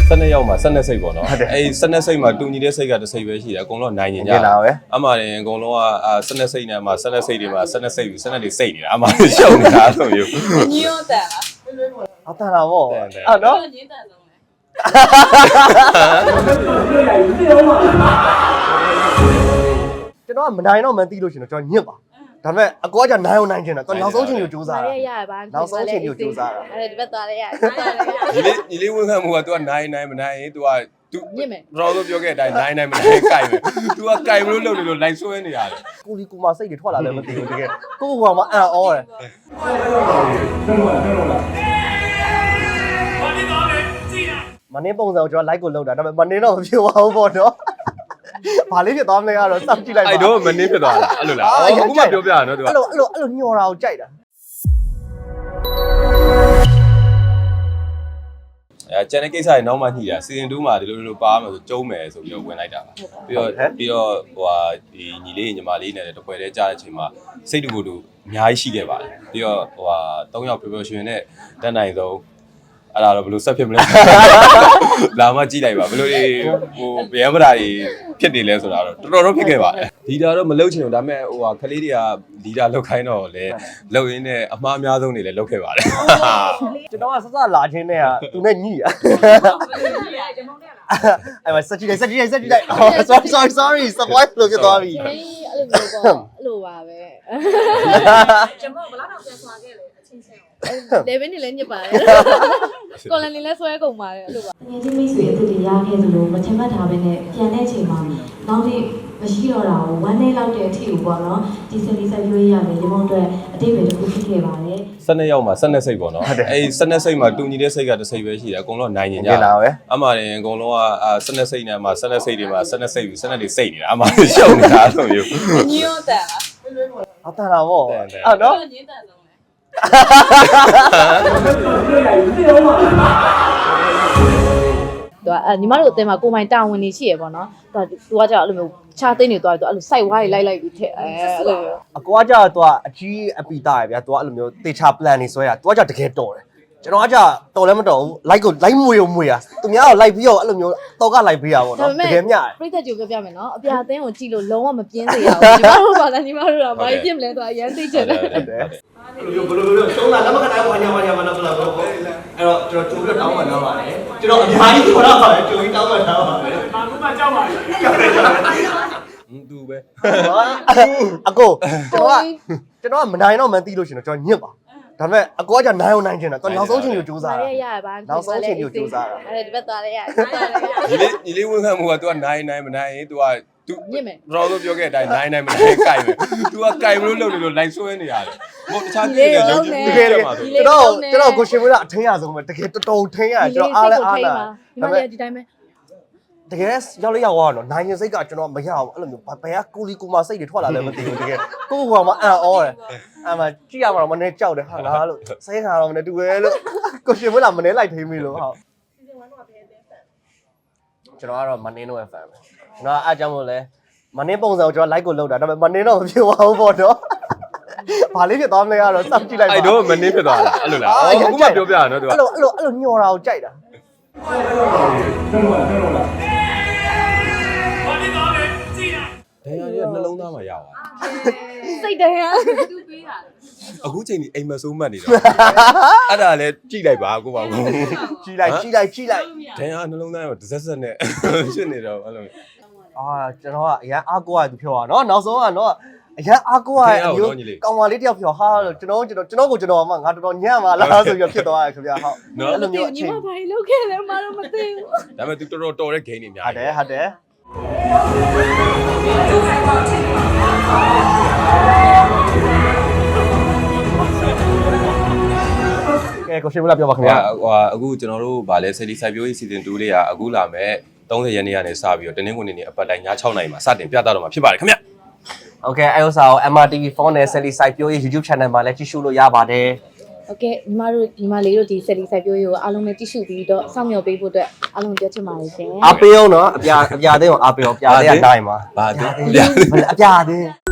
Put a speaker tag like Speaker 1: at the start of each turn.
Speaker 1: 12ရောက်မှာ12စိတ်ပေါ့နော်အဲ့12စိတ်မှာတူညီတဲ့စိတ်ကတစ်စိတ်ပဲရှိတယ်အကုန်လုံးနိုင်နေကြတယ်အမှန်အကုန်လုံးက12စိတ်နဲ့မှာ12စိတ်တွေမှာ12စိတ်ပြီး12တွေစိတ်နေတာအမှန်ရှုပ်နေတာအဲ့လိုမျိုး
Speaker 2: ညီရောတန်လား
Speaker 3: အတန်တာဗောအဲ့နော်
Speaker 2: ညင်းတန်ဆုံးလေ
Speaker 3: ကျွန်တော်ကမနိုင်တော့မသိလို့ရှင်တော့ကျွန်တော်ညစ်ပါဒါပေမဲ့အကောကနိုင်အောင်နိုင်ချင်တာသူနောက်ဆုံးချိန်ကိုစူးစမ်းတာ
Speaker 2: ရရပါ
Speaker 3: နောက်ဆုံးချိန်ကိုစူးစမ်းတာ
Speaker 2: အဲ့ဒီဘက်သွားလဲရ
Speaker 1: ညီလေးဝန်ခံမှုက तू ကနိုင်မနိုင်ရင် तू က तू
Speaker 2: ညစ်မယ်
Speaker 1: တော့ပြောခဲ့တဲ့အတိုင်းနိုင်မနိုင်ကြိုက်မယ် तू ကကြိုက်မလို့လုပ်နေလို့လိုက်ဆွဲနေရတယ်
Speaker 3: ကိုလီကိုမစိတ်တွေထွက်လာလည်းမသိဘူးတကယ်ကိုကောင်မအံ့ဩတယ်မနေပုံစံကိုကျွန်တော် like ကိုလောက်တာဒါပေမဲ့မနေတော့မဖြစ်ပါဘူးပေါ့နော်ဘာလေးဖြစ်သွားမလဲကတော့စောင့်ကြည့်လိုက်ပါ
Speaker 1: အဲ့တော့မနေဖြစ်သွားလားအဲ့လိုလားအခုမှပြောပြရနော် तू က
Speaker 3: အဲ့လိုညှော်တာကိုကြိုက်တာ
Speaker 1: ကျန်တဲ့ကိစ္စတွေနောက်မှညှိတာစီဇန်2မှာဒီလိုပါမယ်ဆိုကျုံးမယ်ဆိုပြီးတော့ဝင်လိုက်တာပါပြီးတော့ဟိုဟာဒီညီလေးညီမလေးနဲ့တပွဲတည်းကြားတဲ့အချိန်မှာစိတ်တူကိုယ်တူအများကြီးရှိခဲ့ပါတယ်ပြီးတော့ဟိုဟာ3ယောက်ပျော်ပျော်ရွှင်နဲ့တက်နိုင်ဆုံးအဲ့ဒါတော့ဘယ်လိုဆက်ဖြစ်မလဲလာမှကြည့်လိုက်ပါဘယ်လိုဟိုဗျမ်းပရာကြီးဖြစ်နေလဲဆိုတာတော့တော်တော်ဖြစ်ခဲ့ပါတယ်ဒီတာတော့မလုပ်ချင်ဘူးဒါပေမဲ့ဟိုဟာခလေးတွေကဒီတာလောက်ခိုင်းတော့လေလောက်ရင်းနဲ့အမှားအများဆုံးတွေလည်းလောက်ခဲ့ပါတယ်
Speaker 3: ကျွန်တော်ကစစလာချင်းနဲ့ကသူနဲ့ညှိရအဲ့မှာစက်ကြည့်လိုက် sorry surprise လို့ဖြစ်သွားပြီ
Speaker 2: အဲ့လိုမျိုးပေါ့အဲ့လိုပါပဲကျွန်တော်ဘလောက်တော့ပြန်ဆွာခဲ့လေအချင်းချင်းလေဘင်းနေလည်းညစ်ပါတယ်ကိုလန်နေလည်းဆွဲကုန်ပါတယ်အဲ့လိုပါ
Speaker 4: ငယ်ချင်းမိတ်ဆွေအစ်တွေရခဲ့သလိုမချင်မှတ်ထားဘဲနဲ့ပြန်တဲ့အချိန်မှာနောက်နေ့မရှိတော့တာကို1 day လောက်တဲ့အထိကိုပေါ့နော်ဒီစလီဆက်ပြွေးရတယ်ရေမုံအတွက်အတိတ်ပဲတစ်ခုဖြစ်ခဲ့ပါတယ်
Speaker 1: 12ရောက်မှာ12စိတ်ပေါ့နော်အဲ့12စိတ်မှာတူညီတဲ့စိတ်ကတစ်စိတ်ပဲရှိတယ်အကုန်လုံးနိုင်နေကြတယ်အမှန်အကုန်လုံးက12စိတ်နဲ့မှာ12စိတ်တွေမှာ12စိတ်ပြီး12တွေစိတ်နေတာအမှန်ရှုပ်နေတာအဲ့လိုမျိုး
Speaker 2: ညီရောတန်လား
Speaker 3: အတန်တာဗောအဲ့နော်
Speaker 2: ညင်းတန်ဆုံးလေညီမတို့အတင်းမှာကိုမိုင်တာဝန်နေရှိရပေါ့နော်သူကကြောက်အဲ့လိုမျိုးခြားသိနေသွားတယ်သူအဲ့လိုစိုက်ဝါးတွေလိုက်ပြီးထက်အဲ့လို
Speaker 3: အကွာကြောက်သူကအကြီးအပီတာရဗျာသူကအဲ့လိုမျိုးတေချာ plan နေဆွဲရသူကကြောက်တကယ်တော်တယ်ကျွန်တော်ကကြောက်တော်လည်းမတော်ဘူး like ကို like မွေရသူများကို like ပြီးတော့အဲ့လိုမျိုးတော့က like ပေးရပါတော့တကယ်မျှ
Speaker 2: ပြိတ္တကြိုပြောပြမယ်နော်အပြာအသင်းကိုကြည့်လို့လုံးဝမပြင်းစေရဘူးညီမတို့ကလည်းညီမတို့ကဘာကြီးပြစ်မလဲသူအရန်သိချင်တယ်
Speaker 3: ဘယ်လိုရှုံးတာလက်မခနိုင်ဘာညာမလားအဲ့တော့ကျွန်တော်ကြိုပြီးတောင်းမှထားပါတယ်ကျွန်တော်အများကြီးခေါ်တော့ပါတယ်ကြိုပြီးတောင်းမှထားပါတယ်
Speaker 2: ဘာမှမကြောက်ပါဘူး
Speaker 1: သူပဲ
Speaker 3: အကိုကျွန်တော်ကမနိုင်တော့မသိလို့ရှင်တော့ကျွန်တော်ညစ်ပါဒါပေမဲ့အကောကနိုင်အောင်နိုင်ချင်တာသူနောက်ဆုံးချိန်ကိုစူးစမ်းတာ
Speaker 2: ရပါ
Speaker 3: နောက်ဆုံးချိန်ကိုစူးစမ်းတာ
Speaker 2: အဲ့ဒီဘက်သွားလဲရ
Speaker 1: ညီလေးဝန်ခံမှုက तू ကနိုင်မနိုင်ရင် तू က तू
Speaker 2: ညစ်မယ်
Speaker 1: တော့ပြောခဲ့တဲ့အတိုင်းနိုင်မနိုင်ကြိုက်မယ် तू ကကြိုက်မလို့လုပ်နေလို့လိုက်ဆွဲနေရတယ်ဟိုတခြားကိစ္စတွေရုပ်ကြည့်နေမှာဆို
Speaker 3: ကျွန်တော်ကိုရှင်မွေးကအထင်းရဆုံးပဲတကယ်တော်ထင်းရကျွန်တော်အားလဲအားလာ
Speaker 2: ဒါပေမဲ့ဒီတိုင်းပဲ
Speaker 3: တကယ်ရောက်လိုက်ရောက်တော့နိုင်ရင်စိတ်ကကျွန်တော်မရဘူးအဲ့လိုမျိုးဘယ်ကကိုလီကိုမစိတ်တွေထွက်လာလည်းမသိဘူးတကယ်ကိုကောင်မအံ့ဩတယ်အဲ့မှာကြည့်ရမှာတော့မနေကြောက်တယ်ဟာလားလို့စိတ်ခါတော့မနေတူပဲလို့ကိုရှင်မွေးလာမနေလိုက်ထိမ့်ပြီလို့ဟုတ်
Speaker 2: စီဇန်1တော့ဘယ်အသင်းဖန်
Speaker 3: ကျွန်တော်ကတော့မနေတော့ဖန်ပဲကျွန်တော်အားကြောင့်မို့လဲမနေပုံစံကိုကျွန်တော် like ကိုလောက်တာဒါပေမဲ့မနေတော့မဖြစ်ပါဘူးပေါ့နော်ဘာလေးဖြစ်သွားမလဲကတော့စောင့်ကြည့်လိုက်ပါ
Speaker 1: အဲ့တော့မနေဖြစ်သွားလားအဲ့လိုလားအခုမှပြောပြရနော် तू
Speaker 3: အဲ့လိုညှော်တာကိုကြိုက်တာ
Speaker 1: တရားရဲ့နှလုံးသားမှာရပါ
Speaker 2: စိတ်တရားသူပေးတာ
Speaker 1: အခုချိန်ကြီးအိမ်မဆိုးမှတ်နေတော့အဲ့ဒါလည်းကြည့်လိုက်ပါကိုပါဘူး
Speaker 3: ကြည့်လိုက်
Speaker 1: တရားနှလုံးသားရောတစ်ဆက်နဲ့ဖြစ်နေတော့အဲ့လို
Speaker 3: ကျွန်တော်ကအရန်အားကိုးရသူပြောတာနော်နောက်ဆုံးကတော့အရန်အားကိုးရအမျိုးကောင်မလေးတယောက်ပြောဟာလို့ကျွန်တော်ကိုကျွန်တော်မှငါတော်တော်ညံ့ပါလားဆိုပြီးဖြစ်သွားတယ်ခင်ဗျာဟုတ်
Speaker 2: အဲ့လိုမျိုးအချိန်ညီမဘာလို့လုပ်ခဲ့လဲမတော့မသိဘူး
Speaker 1: ဒါပေမဲ့ तू တော်တော်တဲ့ game တွေများ
Speaker 3: ဟုတ်တယ်ကဲကိုရှင်မလာပြောပါခင်ဗျာ
Speaker 1: အခုကျွန်တော်တို့ဗာလဲဆယ်လီစိုက်ပျိုးရေး season 2လေးကအခုလာမဲ့30ရက်နေ့ကနေစပြီးတော့တနင်္ဂနွေနေ့အပတ်တိုင်းည6နာရီမှာစတင်ပြသတော့မှာဖြစ်ပါတယ်ခင်ဗျာ
Speaker 3: โอเคအဲ့ဥစ္စာကို MRTV4 နဲ့ Sally စိုက်ပျိုးရေး YouTube channel မှာလည်းကြည့်ရှုလို့ရပါတယ်
Speaker 2: โอเคညီမလေးတို့ဒီ Sally စိုက်ပျိုးရေးကိုအားလုံးနဲ့ကြည့်ရှုပြီးတော့စောင့်မျှော်ပေးဖို့အတွက်အားလုံးပြောချင်ပါတယ်ရှင်
Speaker 3: အားပေးအောင်နော်အပြာသိအောင်အားပေးအောင်ပြားလေးကတိုင်းပါ
Speaker 1: ဘာအ
Speaker 3: ပြာသိ